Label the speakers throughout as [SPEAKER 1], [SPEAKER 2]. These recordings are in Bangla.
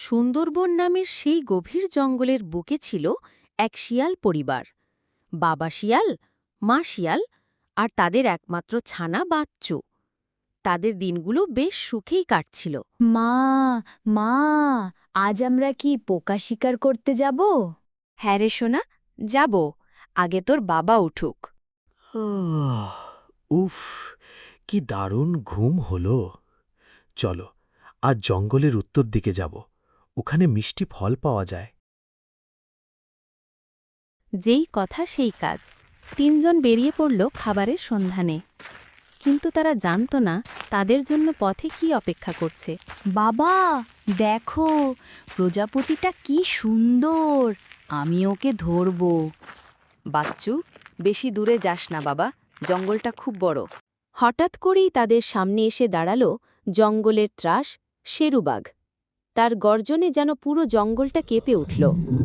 [SPEAKER 1] সুন্দরবন নামের সেই গভীর জঙ্গলের বুকে ছিল এক শিয়াল পরিবার। বাবা শিয়াল, মা শিয়াল আর তাদের একমাত্র ছানা বাচ্চু। তাদের দিনগুলো বেশ সুখেই কাটছিল।
[SPEAKER 2] মা মা আজ আমরা কি পোকা শিকার করতে যাব?
[SPEAKER 3] হ্যাঁ রে সোনা, যাব। আগে তোর বাবা উঠুক।
[SPEAKER 4] উফ, কি দারুণ ঘুম হলো। চলো, আজ জঙ্গলের উত্তর দিকে যাব। ওখানে মিষ্টি ফল পাওয়া যায়।
[SPEAKER 1] যেই কথা সেই কাজ। তিনজন বেরিয়ে পড়ল খাবারের সন্ধানে। কিন্তু তারা জানত না তাদের জন্য পথে কি অপেক্ষা করছে।
[SPEAKER 2] বাবা দেখো, প্রজাপতিটা কি সুন্দর, আমি ওকে ধরব।
[SPEAKER 3] বাচ্চু, বেশি দূরে যাস না বাবা, জঙ্গলটা খুব বড়।
[SPEAKER 1] হঠাৎ করেই তাদের সামনে এসে দাঁড়াল জঙ্গলের ত্রাস শেরুবাঘ। তার গর্জনে যেন পুরো জঙ্গলটা কেঁপে উঠল।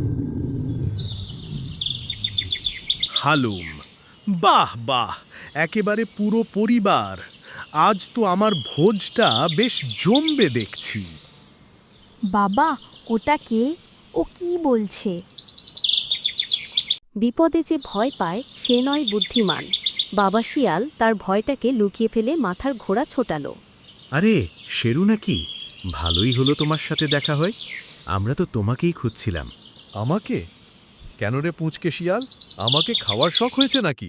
[SPEAKER 5] হালুম, বাহ বাহ, একেবারে পুরো পরিবার। আজ তো আমার ভোজটা বেশ জমবে দেখছি।
[SPEAKER 2] বাবা ওটা কে? ও কি বলছে?
[SPEAKER 1] বিপদে যে ভয় পায় সে নয় বুদ্ধিমান। বাবা শিয়াল তার ভয়টাকে লুকিয়ে ফেলে মাথার ঘোড়া ছোটাল।
[SPEAKER 4] আরে, শেরু নাকি? ভালোই হলো তোমার সাথে দেখা হয়। আমরা তো তোমাকেই খুঁজছিলাম।
[SPEAKER 5] আমাকে? কেন রে পুঁচকে শিয়াল, আমাকে খাওয়ার শখ হয়েছে নাকি?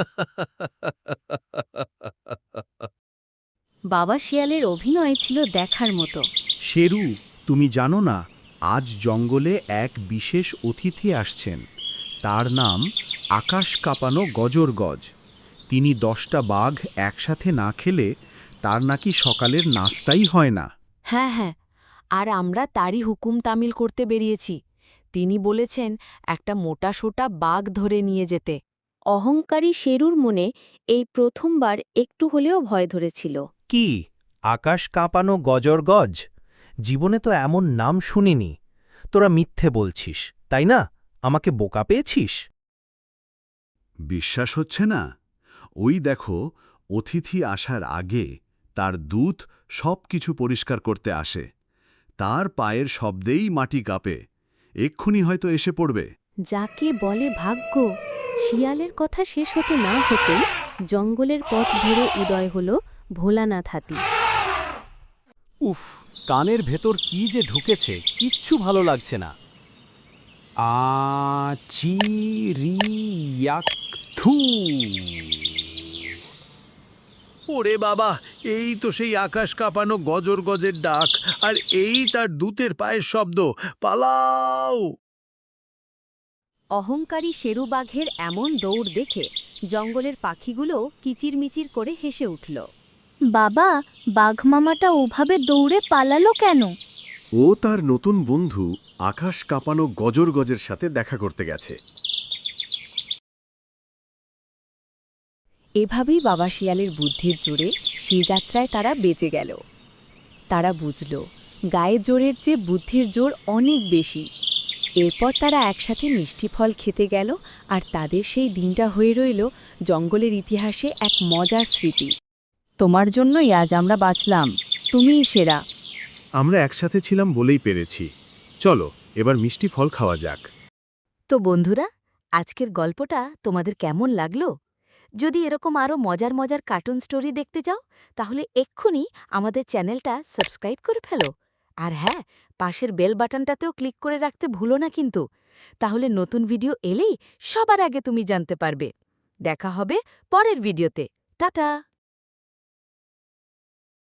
[SPEAKER 1] বাবা শিয়ালের অভিনয় ছিল দেখার মতো।
[SPEAKER 6] শেরু, তুমি জানো না, আজ জঙ্গলে এক বিশেষ অতিথি আসছেন। তার নাম আকাশ কাঁপানো গজর গজ। তিনি 10টা বাঘ একসাথে না খেলে তার নাকি সকালের নাস্তাই হয় না।
[SPEAKER 3] হ্যাঁ হ্যাঁ, আর আমরা তারই হুকুম তামিল করতে বেরিয়েছি। তিনি বলেছেন একটা মোটাসোটা বাঘ ধরে নিয়ে যেতে।
[SPEAKER 1] অহংকারী শেরুর মনে এই প্রথমবার একটু হলেও ভয় ধরেছিল।
[SPEAKER 4] কি আকাশ কাঁপানো গজর গজ? জীবনে তো এমন নাম শুনিনি। তোরা মিথ্যে বলছিস, তাই না? আমাকে বোকা পেয়েছিস?
[SPEAKER 7] বিশ্বাস হচ্ছে না? ওই দেখো, অতিথি আসার আগে তার দূত সবকিছু পরিষ্কার করতে আসে। তার পায়ের শব্দেই মাটি কাঁপে। এক্ষুনি হয়তো এসে পড়বে।
[SPEAKER 1] যাকে বলে ভাগ্য। শিয়ালের কথা শেষ হতে না হতেই জঙ্গলের পথ ধরে উদয় হল ভোলানাথ হাতি।
[SPEAKER 6] উফ, কানের ভেতর কি যে ঢুকেছে, কিচ্ছু ভালো লাগছে না। থু।
[SPEAKER 5] ওরে বাবা, এই তো সেই আকাশ কাঁপানো গজর গজের ডাক, আর এই তার দূতের পায়ের শব্দ। পালাও!
[SPEAKER 1] অহংকারী শেরু বাঘের এমন দৌড় দেখে জঙ্গলের পাখিগুলো কিচিরমিচির করে হেসে উঠল।
[SPEAKER 2] বাবা, বাঘ মামাটা ওভাবে দৌড়ে পালালো কেন?
[SPEAKER 7] ও তার নতুন বন্ধু আকাশ কাঁপানো গজর গজের সাথে দেখা করতে গেছে।
[SPEAKER 1] এভাবেই বাবা শিয়ালের বুদ্ধির জোরে সেই যাত্রায় তারা বেঁচে গেল। তারা বুঝল গায়ে জোরের চেয়ে বুদ্ধির জোর অনেক বেশি। এরপর তারা একসাথে মিষ্টি ফল খেতে গেল, আর তাদের সেই দিনটা হয়ে রইল জঙ্গলের ইতিহাসে এক মজার স্মৃতি। তোমার জন্যই আজ আমরা বাঁচলাম, তুমিই সেরা।
[SPEAKER 7] আমরা একসাথে ছিলাম বলেই পেরেছি। চলো, এবার মিষ্টি ফল খাওয়া যাক।
[SPEAKER 3] তো বন্ধুরা, আজকের গল্পটা তোমাদের কেমন লাগলো? যদি এরকম আরও মজার মজার কার্টুন স্টোরি দেখতে চাও, তাহলে এক্ষুনি আমাদের চ্যানেলটা সাবস্ক্রাইব করে ফেলো। আর হ্যাঁ, পাশের বেল বাটনটাতেও ক্লিক করে রাখতে ভুলো না কিন্তু। তাহলে নতুন ভিডিও এলেই সবার আগে তুমি জানতে পারবে। দেখা হবে পরের ভিডিওতে। টাটা!